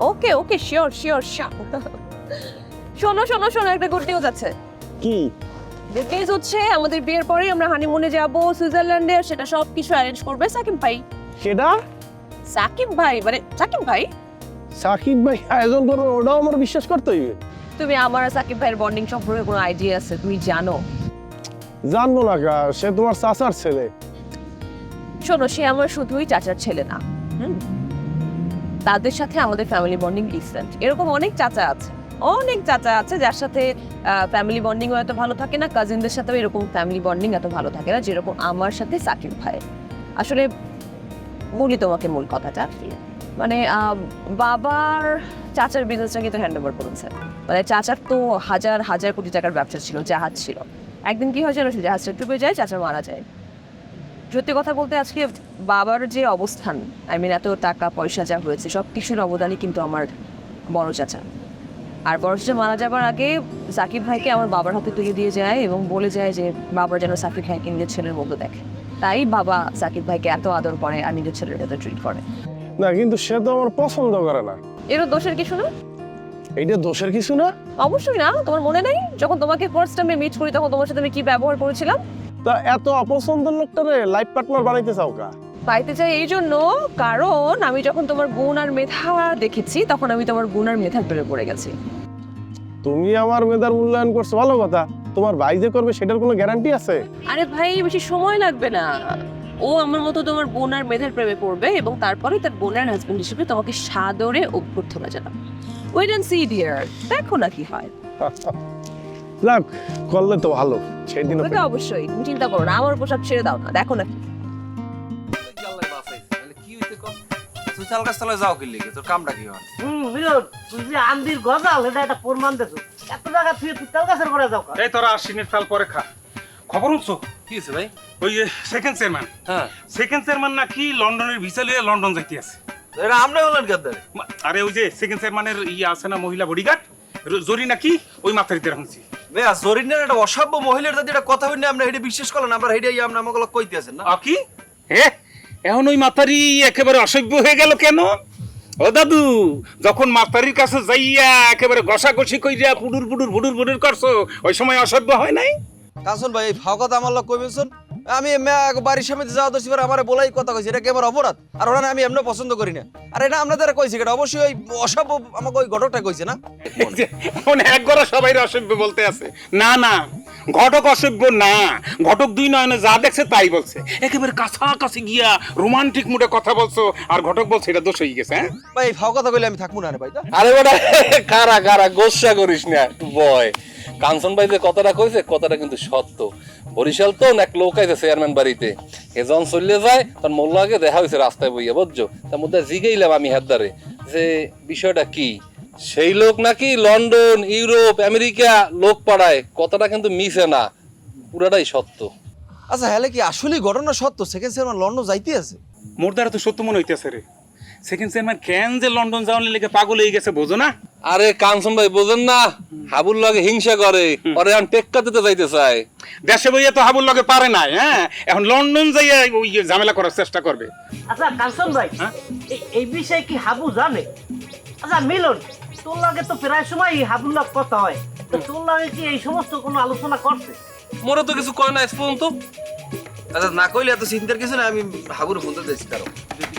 ওকে okay sure sure sure. শোনো শোনো শোনো, একটা গুড নিউজ আছে। কি? গুড নিউজ হচ্ছে আমাদের বিয়ের পরেই আমরা হানিমুনে যাব সুইজারল্যান্ডে, সেটা সব কিছু অ্যারেঞ্জ করবে সাকিব ভাই। সেটা সাকিব ভাই মানে সাকিব ভাই? সাকিব ভাই আয়োজন করবে, ওটাও আমার বিশ্বাস করতে হইবে। তুমি আমার আর সাকিব ভাইয়ের বন্ডিং সম্পর্কে কোনো আইডিয়া আছে? তুমি জানো? জানবো না কা, সে তোমার চাচার ছেলে। শোনো, সে আমার শুধুই চাচার ছেলে না, তাদের সাথে আমাদের ফ্যামিলি বন্ডিং ডিফারেন্ট। এরকম অনেক চাচা আছে, অনেক চাচা আছে যার সাথে ফ্যামিলি বন্ডিংও এত ভালো থাকে না, কাজিনদের সাথেও এরকম ফ্যামিলি বন্ডিং এত ভালো থাকে না যেরকম আমার সাথে সাকিব ভাই। আসলে বলি তোমাকে মূল কথাটা, মানে বাবার চাচার বিজনেসটা কিন্তু হ্যান্ড ওভার করেছে। মানে চাচার তো হাজার হাজার কোটি টাকার ব্যবসা ছিল, জাহাজ ছিল। একদিন কি হয় জানো, সে জাহাজটা ডুবে যায়, চাচা মারা যায়। সত্যি কথা বলতে আজকে বাবার যে অবস্থান, এত টাকা পয়সা যা হয়েছে সব কিছুর অবদানই কিন্তু আমার বড় চাচা। আর বড় চাচা মারা যাবার আগে সাকিব ভাইকে আমার বাবার হাতে তুলে দিয়ে যায় এবং বলে যায় যে বাবার যেন সাকিব ভাইকে নিজের ছেলের মতো দেখে। তাই বাবা সাকিব ভাইকে এত আদর করে আর নিজের ছেলের মতো ট্রিট করে। না কিন্তু সে তো আমার পছন্দ করে না। এরও দোষের কিছু না। এইটা দোষের কিছু না। অবশ্যই না। তোমার মনে নেই যখন তোমাকে ফার্স্ট টাইমে মিট করি তখন তোমার সাথে আমি কি ব্যবহার করেছিলাম? তা এত অপছন্দের লোকটারে লাইফ পার্টনার বানাইতে চাও কা? পাইতে চাই এই জন্য, কারণ আমি যখন তোমার গুণ আর মেধা দেখেছি তখন আমি তোমার গুণ আর মেধার প্রেমে পড়ে গেছি। তুমি আমার মেধার মূল্যায়ন করছো, ভালো কথা। তোমার ভাই যে করবে সেটার কোনো গ্যারান্টি আছে? আরে ভাই, বেশি সময় লাগবে না। ও আমার মতো তোমার বোন আর মেধার প্রেমে পড়বে এবং তারপরে তার বোনের হাজবেন্ড হিসেবে তোমাকে সাদরে অভ্যর্থনা জানাবে। ওয়েট এন্ড সি ডিয়ার, দেখো না কি হয়। লাগ করলে তো ভালো। সেই দিন ওটা অবশ্যই, তুমি চিন্তা করো না, আমার পোশাক ছেড়ে দাও না, দেখো না। তুই চাল গাছ তলায় যাও কি লিখে, তোর কামটা কি হয়? মিলন, তুই যে আন্দির গজাল এটা একটা প্রমাণ দেছো। এত জায়গা তুই তাল গাছের করে যাও কা? এই তোরা আশ্বিনের তাল পরে খা। খবর শুনছো? কি হয়েছে ভাই? ওই সেকেন্ড চেয়ারম্যান, হ্যাঁ, সেকেন্ড চেয়ারম্যান নাকি লন্ডনের ভিসা লিয়ে লন্ডন যাইতে আছে। এটা আমরা হলেন গাদ্দারে। আরে ওই যে সেকেন্ড চেয়ারম্যানের ইয়ে আছে না, মহিলা বডিগার্ড জরি নাকি, ওই মাথারিতে রাখছি। বেয়া জরিনের একটা অসভ্য মহিলার যদি এটা কথা হইনি আমরা হেডে বিশ্বাস করলাম, আমরা হেডে আমরা আমাকে কইতে আছেন না। কি হে, এখন ওই মাথারি একেবারে অসভ্য হয়ে গেল কেন? ও দাদু, যখন মাতারির কাছে যাইয়া একেবারে ঘষাঘষি কইরা পুডুর পুডুর ভুডুর ভুডুর করছো, ওই সময় অসভ্য হয় নাই? কাসন ভাই এই ফাও কথা আমার লোক কইবেছন। আমি বাড়ির সামনে যাওয়া দোষী আমার বলাই কথা কইছি, এটা কি আমার অপরাধ? আর ওরা আমি এমনি পছন্দ করি না। আর এটা আপনাদের কইছি, এটা অবশ্যই ওই অসভ্য আমাকে ওই ঘটকটা কইছে না। এখন এক গড়া সবাই অসভ্য বলতে আছে। না না, ঘটক অসভ্য না, ঘটক দুই নয়নে যা দেখছে তাই বলছে, একেবারে কাছাকাছি গিয়া রোমান্টিক মুডে কথা বলছো, আর ঘটক বলছে এটা দোষ হয়ে গেছে। হ্যাঁ ভাই এই ফাও কথা কইলে আমি থাকবো না রে ভাই। আরে বেটা কারা কারা গোসা করিস না, একটু বয়। কাঞ্চন ভাই যে কথাটা কইছে কথাটা কিন্তু সত্য। বরিশাল তো এক লোক আইছে চেয়ারম্যান বাড়িতে, এজন চলে যায় তার মোল্লা আগে দেখা হয়েছে রাস্তায় বইয়া, বুঝছো? তার মধ্যে জিগাইলাম আমি হাতদারে যে বিষয়টা কি। সেই লোক নাকি লন্ডন, ইউরোপ, আমেরিকা লোক পাড়ায়। কথাটা কিন্তু মিছে না, পুরাটাই সত্য। আচ্ছা হ্যালে কি আসলে ঘটনা সত্য সেকেন্ড চেয়ারম্যান লন্ডন যাইতে আছে? মোর দ্বারা তো সত্য মনে হইতেছে রে। সেকেন্ড চেয়ারম্যান কেন যে লন্ডন যাওয়ার লেগে পাগল হয়ে গেছে বোঝো না? আরে কাঞ্চন ভাই বোঝেন না, হাবুর লাগে হিংসা করে, ওরে এখন টেক্কা দিতে যাইতে চায়। দেশে বইয়া তো হাবুর লগে পারে নাই, হ্যাঁ এখন লন্ডন যাইয়া ওই ঝামেলা করার চেষ্টা করবে। আচ্ছা কাঞ্চন ভাই, এই বিষয়ে কি হাবু জানে? আচ্ছা মিলন, তোর লাগে তো প্রায় সময় হাবুর লাগ কথা হয়, তো তোর লাগে কি এই সমস্ত কোনো আলোচনা করছে? মোরে তো কিছু কয় না আজ পর্যন্ত। আচ্ছা না কইলে এত চিন্তার কিছু না, আমি হাবুর ফোন দিতেছি। কারণ